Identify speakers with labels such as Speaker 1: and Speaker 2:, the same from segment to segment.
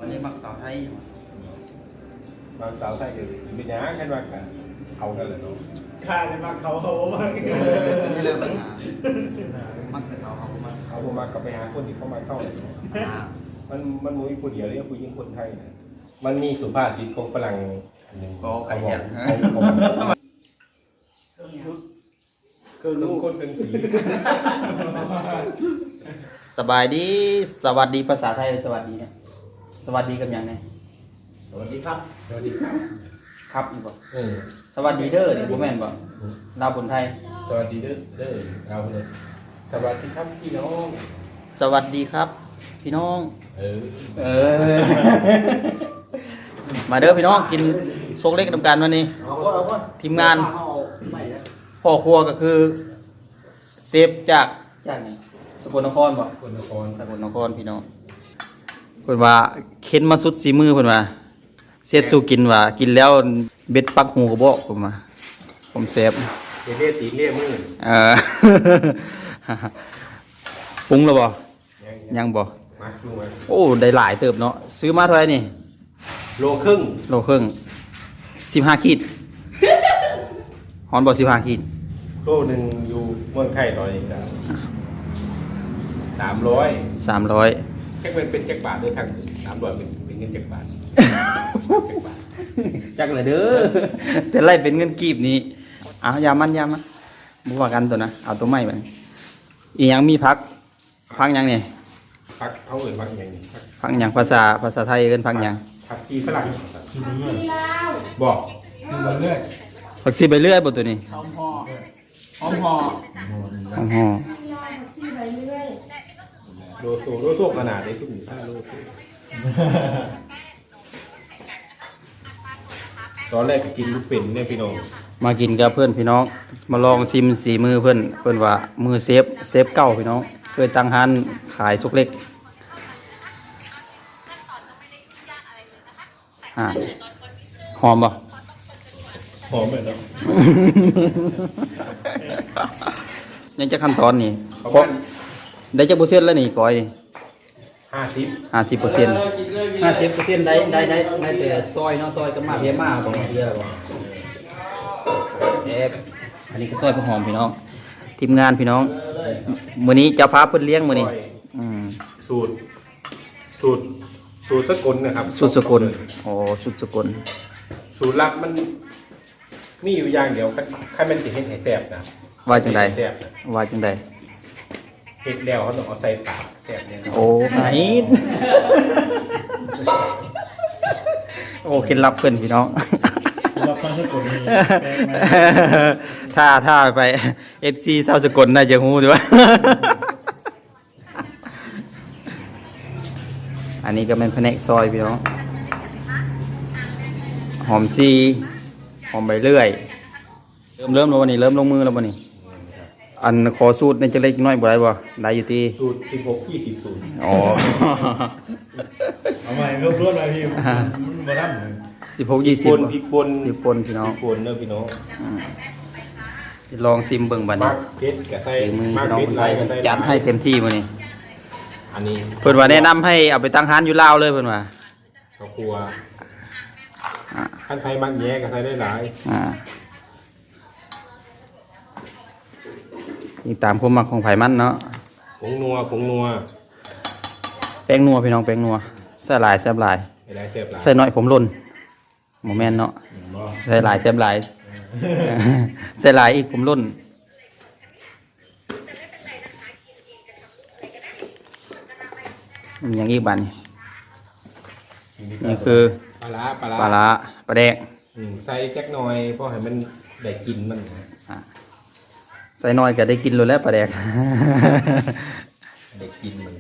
Speaker 1: นนี้มักสาวไทย
Speaker 2: บางสาวไทยเดี๋ยวมีน้ากันว่ากันเอากันเลยเนาะ
Speaker 3: ข้าจะมาเขาบ้าง
Speaker 1: นี่เริ่มปัญหามักแต่เขามา
Speaker 2: เอาผมมากลับไปหาคนที่เข้ามาเข้าเลยมันมีคนเดียวเลยผู้หญิงคนไทยนะมันมีสุภาษิตของฝรั่งอันหนึ่ง
Speaker 1: ก็ไข่แข็ง
Speaker 2: เกินลูกคนเป็นผี
Speaker 1: สบายดีสวัสดีภาษาไทยสวัสดีเนี่ยสวัสดีกันยังไง
Speaker 2: สวัสดีครับสวัสดีครับ
Speaker 1: ครับอีกบ่สวัสดีเด้อเนี่ยพ่อแม่นบ่ดาวคนไทย
Speaker 2: สวัสดีเด้อเราเลยสวัสดีครับพี่น้อง
Speaker 1: สวัสดีครับพี่น้องมาเด้อพี่น้องกินโซกเล็กนำกันวันนี้ทีมงานพ่อครัวก็คือเซฟจากไหนสกลนครบ่สกลนครพี่น้องเพิ่นว่าเข็นมาสุดสีมือเพิ่นว่าเสียดสู้กินว่ากินแล้วเบ็ดปักหูกระบอกผมเซฟ
Speaker 2: เล่ตีเล่มือ
Speaker 1: ปรุงแล้วบ่ยังบ่โอ้ได้หลายเติบเนาะซื้อมาเท่าไหร่นี่
Speaker 2: โลครึ่ง
Speaker 1: 15ขีดฮอนบ่15ขีด
Speaker 2: โลนึงอยู่เมืองไทยตอนนี้ก็300แค่เป็นแค่บาทด้วยทั้ง300เป็นเงินแค่บาท
Speaker 1: จักเลยเด้อแต่ไล่เป็นเงินกีบนี้เอายามันบ่ว่ากันตัวนะเอาตัวใหม่ไปอีหยังมีพักหยังนี่
Speaker 2: พักเขาเอิ้นพักหยัง
Speaker 1: พักหยังภาษาไทยเอิ้นพักหยัง
Speaker 2: ผักชีฝรั่งบอก
Speaker 1: ผักชีใบเลื่อยบ่ตัวนี้หอมห่อ
Speaker 2: โลโซขนาดได้ทุก5โลตอนแรกก็กินลูกเป็นเนี่ยพี่น้อง
Speaker 1: มากินกับเพื่อนพี่น้องมาลองชิมสีมือเพื่อนว่ามือเซฟเก่าพี่น้องเคยตั้งร้านขายซุกเล็กหอมป่ะ
Speaker 2: หอมเลยเนาะ
Speaker 1: ยังจะขั้นตอนนี่ได้จากเปอร์เซ็นต์แล้วนี่ก้อย50%ได้แต่ซอยเนาะซอยกับมาเพียมาของเพียบ่อันนี้ก็ซอยผักหอมพี่น้องทีมงานพี่น้องมื้อนี้เจ้าฟ้าเพิ่นเลี้ยงมื้อนี้
Speaker 2: สูตรสกลนะครับ
Speaker 1: สูตรสกลอ๋อสูตรสกล
Speaker 2: สูตรลับมันมีอยู่อย่างเดียวใครมันสิเฮ็ดให้แซ่บนะ
Speaker 1: ว่าจังได๋
Speaker 2: เฮ็ดแล้วเขาต้องเอาใส่ปากแซ่บเนี่ย
Speaker 1: โอ้ไหนโอ้เคล็ดลับเพิ่นพี่น้องถ้าไป FC ชาวสกลน่าจะฮู้ดีว่าอันนี้ก็เป็นแผนกซอยพี่น้องหอมซีหอมใบเลื่อยเริ่มแล้ววันนี้เริ่มลงมือแล้ววันนี้อันขอสูตรในจะเล็กน้อยบ่ได้บ่ได้อยู่ที่
Speaker 2: สูตร16-20สูตร
Speaker 1: อ๋อ
Speaker 3: เอาใหม่เริ่มรวดเลยพี่มันบ่ทัน
Speaker 1: 16-20
Speaker 2: พริกป่น
Speaker 1: พี่น้อง
Speaker 2: พริกป่นเด้อพี่น้อง
Speaker 1: จะลองซิมเบิ่งบัดนี้
Speaker 2: เผ็ดก็ใส่
Speaker 1: มากเผ็ดหลายก็ใส่จัดให้เต็มที่มื้อนี้
Speaker 2: อันนี้
Speaker 1: เพิ่นว่าแนะนำให้เอาไปตั้งร้านอยู่ลาวเลยเพิ่นว่า
Speaker 2: ข้าวคั่วท่านไทยมันแย่ก็ใส่ได้หลาย
Speaker 1: นี่ตามความมักของไผมันเนาะ
Speaker 2: ผงนัว
Speaker 1: แป้งนัวพี่น้องแป้งนัวใส่หลายแซ่บหลายใส่น้อยผมหล่นบ่แม่นเนาะใส่หลายแซ่บหลายใส่หลายอีกผมหล่นอย่างอีกบัดนี่คือ
Speaker 2: ปลา
Speaker 1: ร้าปลาแดก
Speaker 2: ใส่แก๊กหน่อยเพราะให้มันได้กินมัน
Speaker 1: ใส่น้อยก็ได้กินเลยแล้วปลาแดก
Speaker 2: ได้กินมัน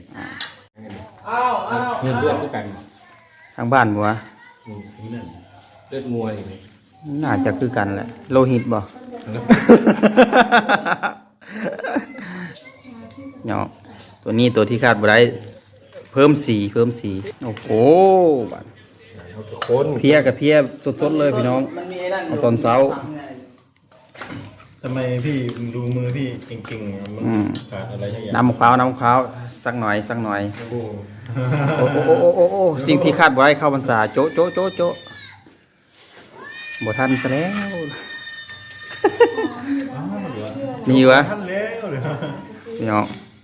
Speaker 2: เลือดด้วยกัน
Speaker 1: ทางบ้านบัว
Speaker 2: เลือดงัวนี่
Speaker 1: น่าจะคือกันแหละโลหิตบ่เนาะตัวที่คาดบ่ได้เพิ่มสีโอ้โหเพี้ยกับเพี้ยสดๆเลยพี่น้องเอาตอนเช้า
Speaker 3: ทำไมพี่ดูมือพี่เก่งๆมันขาดอะไรอย่าง
Speaker 1: น้ำมะพร้าวสักหน่อยโอ้โอ้สิ่งที่คาดไว้เข้าพรรษาโจะโจะโจะโจะบ่ทันซะแล้ว นี่วะ
Speaker 3: ท่านเล้วเลย
Speaker 1: พี่น้อง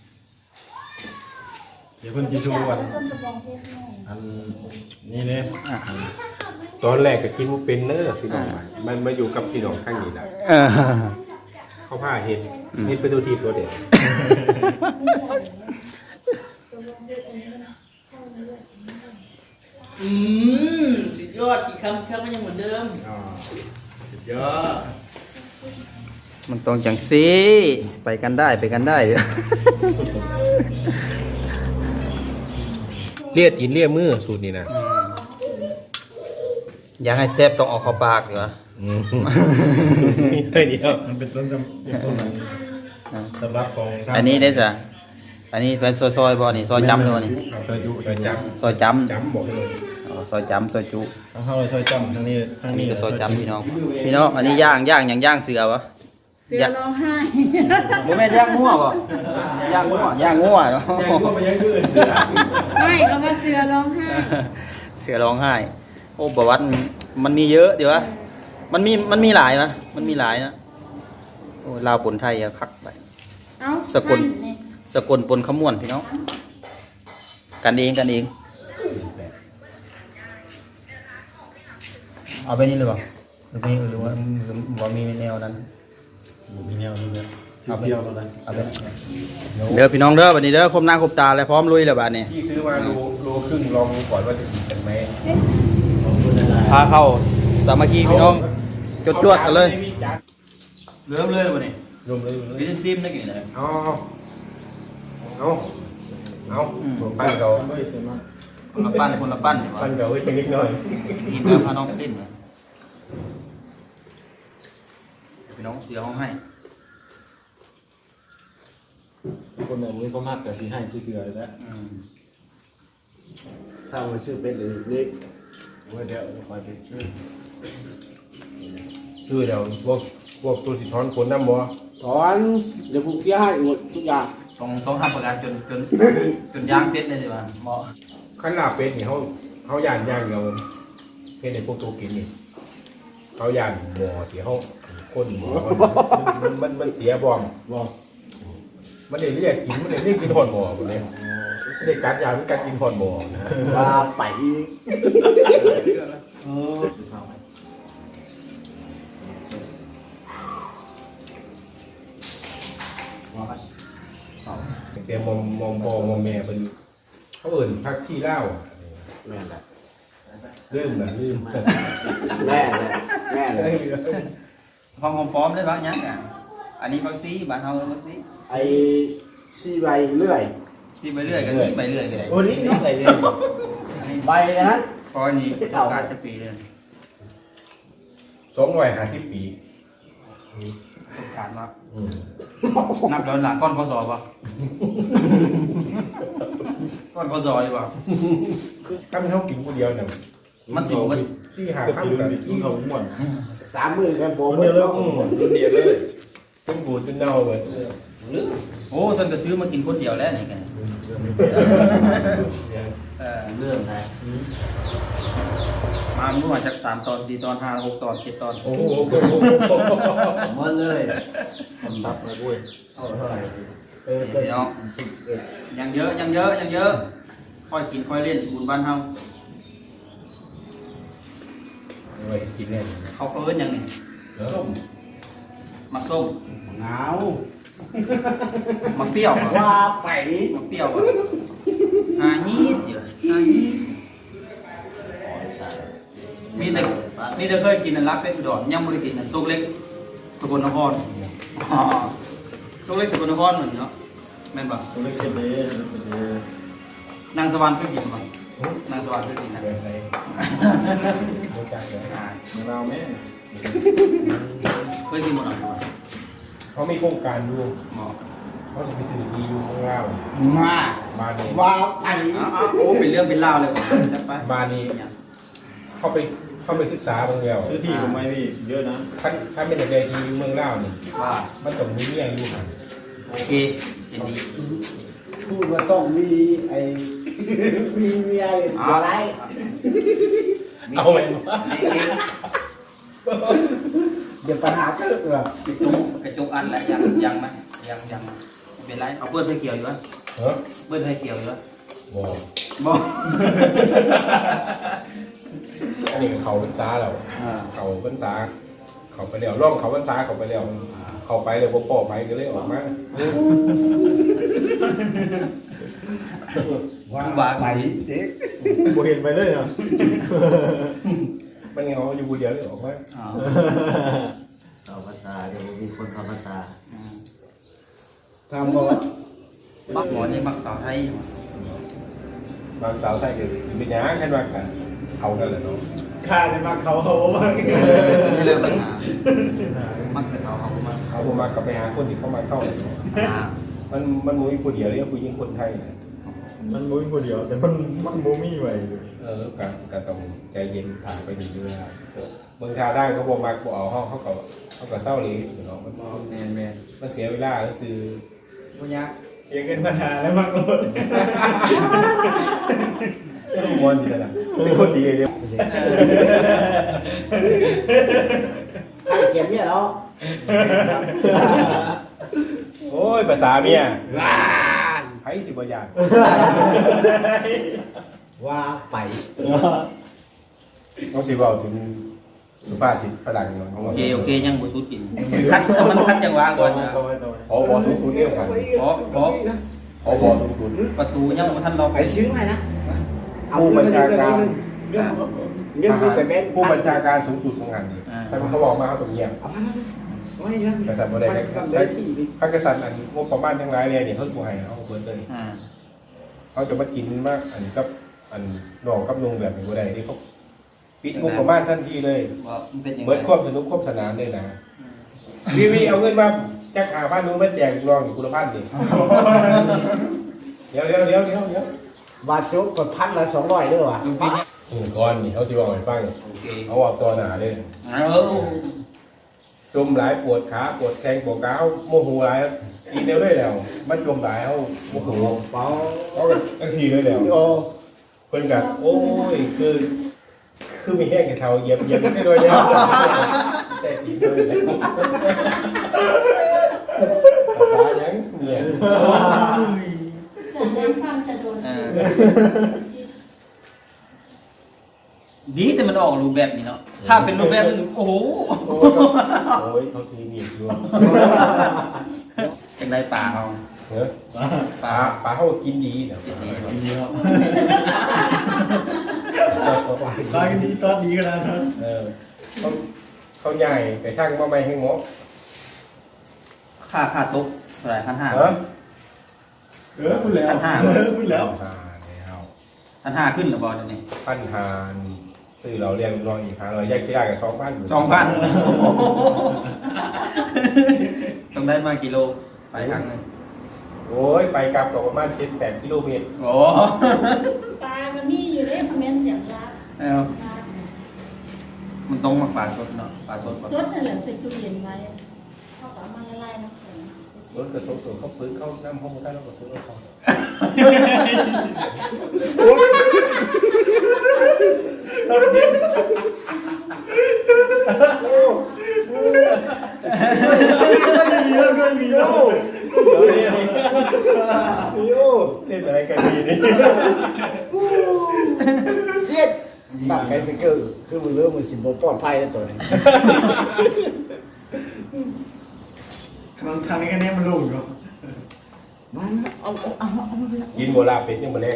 Speaker 3: เดี๋ยวคนจีชูอันนี่เนี่ย
Speaker 1: อ่ะ
Speaker 2: ตอนแรกก็กินบ่เป็นเด้อพี่น้องมันมาอยู่กับพี่น้องข้างนี้แหละ
Speaker 1: เออ
Speaker 2: เขาพาเฮ็ดเป็นตัวทีตัวเด็ด
Speaker 1: สุดยอดกี่คำก็ยังเหมือนเดิม
Speaker 3: เยอะ
Speaker 1: มันต้องจังสิไปกันได้ไปกันได้
Speaker 2: เลียตีนเลียมือสูตรนี้นะ
Speaker 1: อยากให้แซ่บต้องออกเข้าปากอยู่วะ
Speaker 2: สูตรนี้ให้เดียว
Speaker 3: มันเป็นต้นสำหรับของ
Speaker 1: อันนี้ได้จ้ะอันนี้เป็นซอยๆบ่นี่ซอยจำด้วยนี่
Speaker 2: ซอยจุซอยจับ
Speaker 1: ซอยจ
Speaker 2: จับบอกเลย
Speaker 1: ำอ๋อซอยจำซอยจุ
Speaker 3: ทั้งเข้าเลยซอยจำทั้งนี้ทั้ง
Speaker 1: อัน
Speaker 3: นี้
Speaker 1: นี้ก็ซอยจำพี่น้องพี่น้องอันนี้ย่างอย่างย่างเสือวะ
Speaker 4: เสือร้องไห้
Speaker 1: บ่แม่นย่างงัวบ่ย่างงัวย่างงัวเนาะ
Speaker 4: ไม่เขาว่าเสือร้องไห้
Speaker 1: เสือร้องไห้โอ้ประวัติมันมีเยอะเดี๋ยววะมันมีหลายนะมันมีหลายนะโอ้ลาวปนไทยอะคักไป
Speaker 4: เอ้า
Speaker 1: สกล สกลปนขมวนพี่น้องกันเองเอาไปนี่เลยบ่หรือว่ามีแนวนั้น
Speaker 3: มีแนวนี้เนี่ยเอาไปเดียวแล้วนะ
Speaker 1: เอาไปเด้อพี่น้องเด้อบัดนี้เด้อคมหน้าคมตาแล้วพร้อมลุยแล้วบัดนี้
Speaker 2: พี่ซื้อมาโลครึ่งลองดูก่อนว่าจะกินกันไหม
Speaker 1: พาเข้าสามัคคีพี่น้องจวดๆกันเลยเริ่มเลยบัดนี้
Speaker 2: รวมเลย
Speaker 1: วิตามินซีมได้กี่เลย
Speaker 2: เอาปั้นเขา
Speaker 1: คนละปั้นคนละปั้นดีกว่า
Speaker 2: ปั้นเขาไว้เป็นนิดหน่อย
Speaker 1: กินแล้วพาน้องไปเล่นเลยพี่น้องเสียห้องให้
Speaker 3: คนไหนมือก็มากแต่ที่ให้ชื่อเกลือแล้วถ้ามาชื่อเป็นหรือเล็กว่าเดี๋ยวคอยเป็นชื่อ
Speaker 2: คือเดี๋ยวพวกตัวสิท้อนคนน้ำบ่
Speaker 5: ถอนเดี๋ยวผมเคลียร์ให้หมดทุกอย่าง
Speaker 1: ต้องทำประกันจนย่างเสร็จเลยดีกว่าเหมาะ
Speaker 2: ขั้นลาเป็ดนี่เขาย่านย่างเดียวเฮ็ดในพวกตัวกินนี่เขาย่านหม้อที่เขาคนหม้อมันเสียบ่อม
Speaker 5: บอก
Speaker 2: มันได้เรียกกินมันได้เรียกกินหอนหม้อหมดเลยไม่ได้กัดยามันกัดกินหอนหม้อนะ
Speaker 5: ว่าไปเออ
Speaker 2: แต่มอมพ่อมอมแม่เป็นเขาเอิ่นพักชีเล่า
Speaker 5: แม่แหละ
Speaker 2: ลืม
Speaker 5: แม่เลยแม่เลย
Speaker 1: ห้องหอมป้อมได้บ้างยังอ่ะอันนี้บางซีบ้านเฮาบางซี
Speaker 5: ไอ้ซีใบเลื่อย
Speaker 1: ซีไปเรื่อยกันนี่ไปเรื่อยกันเลย
Speaker 5: โอ้นี่อะไรเนี่ยใบนั้น
Speaker 1: พอนี้ต้องการจะปีเลย
Speaker 2: 250 ปี
Speaker 1: สงการมานับย้อนหลังก้อนข้อสอบป่ะก้อนข้อสอบดีกว่า
Speaker 2: ถ้ามันเท่ากินคนเดียวเนี่ย
Speaker 1: มันสิบมัน
Speaker 2: 4-5
Speaker 3: ก็
Speaker 2: คำ
Speaker 3: คือ
Speaker 2: กัน
Speaker 3: กินเขาหมด
Speaker 5: 3 มือกันผม
Speaker 3: คนเดียวแล้ว
Speaker 2: คนเดียวเลยจนบูดจนเน่าเลย
Speaker 1: โอ้ฉันก็ซื้อมากินคนเดียวแล้วนี่ไงเรื่องนะมาเมื่อวานจาก3 ตอน 4 ตอน 5 6 ตอน 7 ตอน
Speaker 2: โอ้โห
Speaker 5: หมดเลยทำตับเลยเว้ยเอาเท่าไหร่เป็น
Speaker 1: พี่น้องยังเยอะค่อยกินค่อยเล่นบุญบ้านเฮา
Speaker 2: เว้ยกินเนี่ย
Speaker 1: เขาเอิ้นยังนี่ส้มมักส้ม
Speaker 5: หนาว
Speaker 1: มักเปรี้ยวอะ
Speaker 5: ว่าไป
Speaker 1: มักเปรี้ยวอะหาฮีดเดี๋ยวหาฮีดมีแต่เคยกินอันรับเป็ดอุดรยังบ่ได้กินอันโซกเล็กสกลนครอ๋อโซกเล็กสกลนครเหมือนเนาะแม่นบ่
Speaker 3: ตัวเล็กเจ็บเลยเป็นเลย
Speaker 1: นางสวรรค์เคยกินบ่นางสวรรค์เคยกินนะ
Speaker 2: เกิดอะไรโมจังเลย
Speaker 3: เมืองเราแม่
Speaker 1: เคยกินบ่เนาะ
Speaker 2: เขามีโครงการอยู่
Speaker 1: หมอ
Speaker 2: เขาจะไปซื้อที่อยู่ข้างล่าง
Speaker 5: มา
Speaker 2: บ้านนี้
Speaker 5: ว่าไป
Speaker 1: เอาโอ้เป็นเรื่องเป็นราวเลยว่ะจัดไป
Speaker 2: บ้านนี้เข้าไปศึกษาบางแล้ว
Speaker 3: ซื้อที่ผมไม่พี่เยอะนะ
Speaker 2: ถ้าเป็นแต่ที่อยู่เมืองล่าวนี่
Speaker 1: ว่า
Speaker 2: มันต้องมีเมียอยู่
Speaker 1: โอเคเห็นดี
Speaker 5: พูดว่าต้องมีไอ้มีอะไร
Speaker 2: เอาไว้
Speaker 5: เดี๋ยวปัญหาเกิดเหรอก
Speaker 1: ระจกอันแหละยังไหมยังเป็นไรเอาเปิ้ลไฟเขียวอยู่วะ
Speaker 2: เฮ้ย
Speaker 1: เปิ้ลไฟเขียวอยู่วะ
Speaker 2: บ่
Speaker 1: บ่
Speaker 2: อันนี้เขาพรรษาแล้วเขาพรรษาเขาไปแล้วร่องเขาพรรษาเขาไปแล้วเขาไปเลยบ่ปอไปก็เลยออกมา
Speaker 5: ว่าไปเด็ก
Speaker 3: บ่เห็นไปเลยเนาะ
Speaker 2: มันเหงาอยู่คนเดียวเลยออกมา
Speaker 5: เข้าภาษาเดี๋ยวมีคนเข้าภาษา
Speaker 3: ทำบ่ว่า
Speaker 1: มักหมอนี่มักสาวไทย
Speaker 2: บางสาวไทยก็เป็นหยังคันว่ากันเอากันแหละเนาะ
Speaker 3: ข้าจะมาเขาว่า
Speaker 1: นี่เริ่มปัญหามักแต่เขามา
Speaker 2: เขาบ่มาก็ไปหาคนที่เข้ามาเข้ามันบ่มีผู้เดียวเลยผู้หญิงคนไทยน่ะ
Speaker 3: มันบ่มีผู้เดียวแต่มันบ่มีไว้เลย
Speaker 2: ก็ต้องใจเย็นถ่ายไปเรื่อยๆเมืองทาได้เขาบ่มักบ่เอาเขาก็เศร้าเลยเนาะมัน
Speaker 1: แมน
Speaker 2: มันเสียเวลาก็คือ
Speaker 1: บ่ยาก
Speaker 3: เสียเงินปัญหาแล้วมากโลด
Speaker 2: มวนดีนะเป็นคนดีเดียว
Speaker 5: ไอ้เก็บเนี่ยเนาะ
Speaker 2: โอ้ยภาษาเมียไผสิบ่ยาก
Speaker 5: ว่าไป
Speaker 2: ต้องสิเว้าถึงสุภาษิตฝรั่งเนาะ
Speaker 1: โอเคยังบ่สู้กินคัดมันคัดจังหวะก่อนนะ
Speaker 2: พอบอสูงสุดเรียกกัน
Speaker 1: ขอ
Speaker 2: พอบอสูงสุด
Speaker 1: ประตูยังบ่ทันล็อก
Speaker 5: ไปซื้อให้นะ
Speaker 2: ผู้บัญชาการ
Speaker 5: เงินมีแต่เม็ด
Speaker 2: ผู้บัญชาการสูงสุดของงานนี้แต่เขาบอกมาเขาต้องเยี่ยม
Speaker 5: เอามาแล้วไม่นะ
Speaker 2: กษัตริย์บ่ได้ได้พระกษัตริย์อันงบประมาณทั้งหลายเนี่ยเขาบ่ให้เอาเบิดเลยเขาจะมากินมากอันกับอันน้องกับนุงแบบนี้บ่ได้นี่เขาปิดงบประมาณทันทีเลย
Speaker 1: ว่ามันเป็นยังไง
Speaker 2: เบิดความสนุกความสนานเลยนะวีเอาเงินมาแจก5,000นู้นมาแจกน้องอยู่กุลพันธ์นี่เดี๋ยว
Speaker 5: บาทจุกกด1,200ด้วยว่ะ
Speaker 1: ลุงพี่เนี่ย
Speaker 2: ก่อนนี่เขาสิบอกให้ฟัง
Speaker 1: โอเค
Speaker 2: เขาเอาตัวหนาเลย จมหลายปวดขาปวดแข้งปวดขาเขาโมโหหลายอีเดียวได้แล้ว มันจมหลายเขาโมโห
Speaker 5: เปล่า
Speaker 2: เขาก็ตั้งสี่เลยแล้ว
Speaker 5: โอ้
Speaker 2: เพิ่นกัโอ้ยคือมีแห้งกับเท้าเหยียบได้ด้วยเนี่ยแต่อีกเลยภาษายังเนี่ย
Speaker 4: แต่ได้ฟังแต่โดน
Speaker 1: ดีแต่มันออกรูปแบบนี้เนาะถ้าเป็นรูปแบบนึงโอ้โห
Speaker 2: โอ้ยเขาทีนี่ด้วย
Speaker 1: จังได้ป่าเอา
Speaker 2: เฮ้ยปลาเขากินดีนะ
Speaker 3: ดีครับตอนนี้ตอนดีขนาดนั้น
Speaker 2: เขาใหญ่แต่ช่างมาไม่ให้หมอ
Speaker 1: ค่าตุ๊กเท่าไหร่1,500
Speaker 2: เออ
Speaker 3: พูดแล้วพูดแล้ว
Speaker 1: 1,500ขึ้นหรือบอลนี่
Speaker 2: 1,500ซื้อเราเรียนรองอีก500แยกที่ได้กับ2,000
Speaker 1: 2,000ต้องได้มากี่โลไปครั้งนึง
Speaker 2: โอ้ยไปกลับก็ประมาณ7-8กิโลเมตร
Speaker 1: โอ้
Speaker 4: ปลามันมีอยู่ในคอมเมนต์อย่างละ
Speaker 1: เอามันต้องมาปลาสดเนาะปลาสดก่อน
Speaker 4: สดนั่นแหละใส่ตู้เย็นไว้เขาก็เอามาละลายน้ำแข็ง
Speaker 2: รถกระชกตัวเขาฟื้นเข้าน้ำห้องได้แล้วก็ซื้อรถเขาเล่นอะไรกันดีนี่
Speaker 5: เย็ดบักไก่เป็นคือมือเลื่อมือสิบโมปลอดภัยแล้วตัวนี้
Speaker 3: ทางนี้แค่นี้มันลงอยู่
Speaker 5: มันเอา
Speaker 2: กินโบราณเป็ดยังมาแรง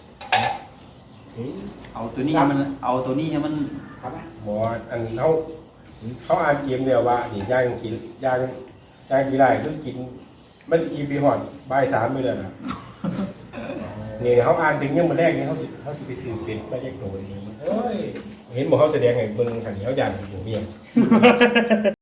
Speaker 1: เอาตัวนี้ให้มันเอาตัวนี้ให้มัน
Speaker 5: ครับ
Speaker 2: หมออันเขาอ่านเกมเดียวว่านี่ย่างกินย่างกี่ไรคือกินมันจะกินปีหอดบ่าย3ไม่เลยนะนี่เขาอ่านถึงยังมาแรกนี่เขาจะไปซื้อเป็ดมาแยกตัวเองเฮ้ยเห็นบอกเขาแสดงไงเบิ่งหันเขายันหัวเมีย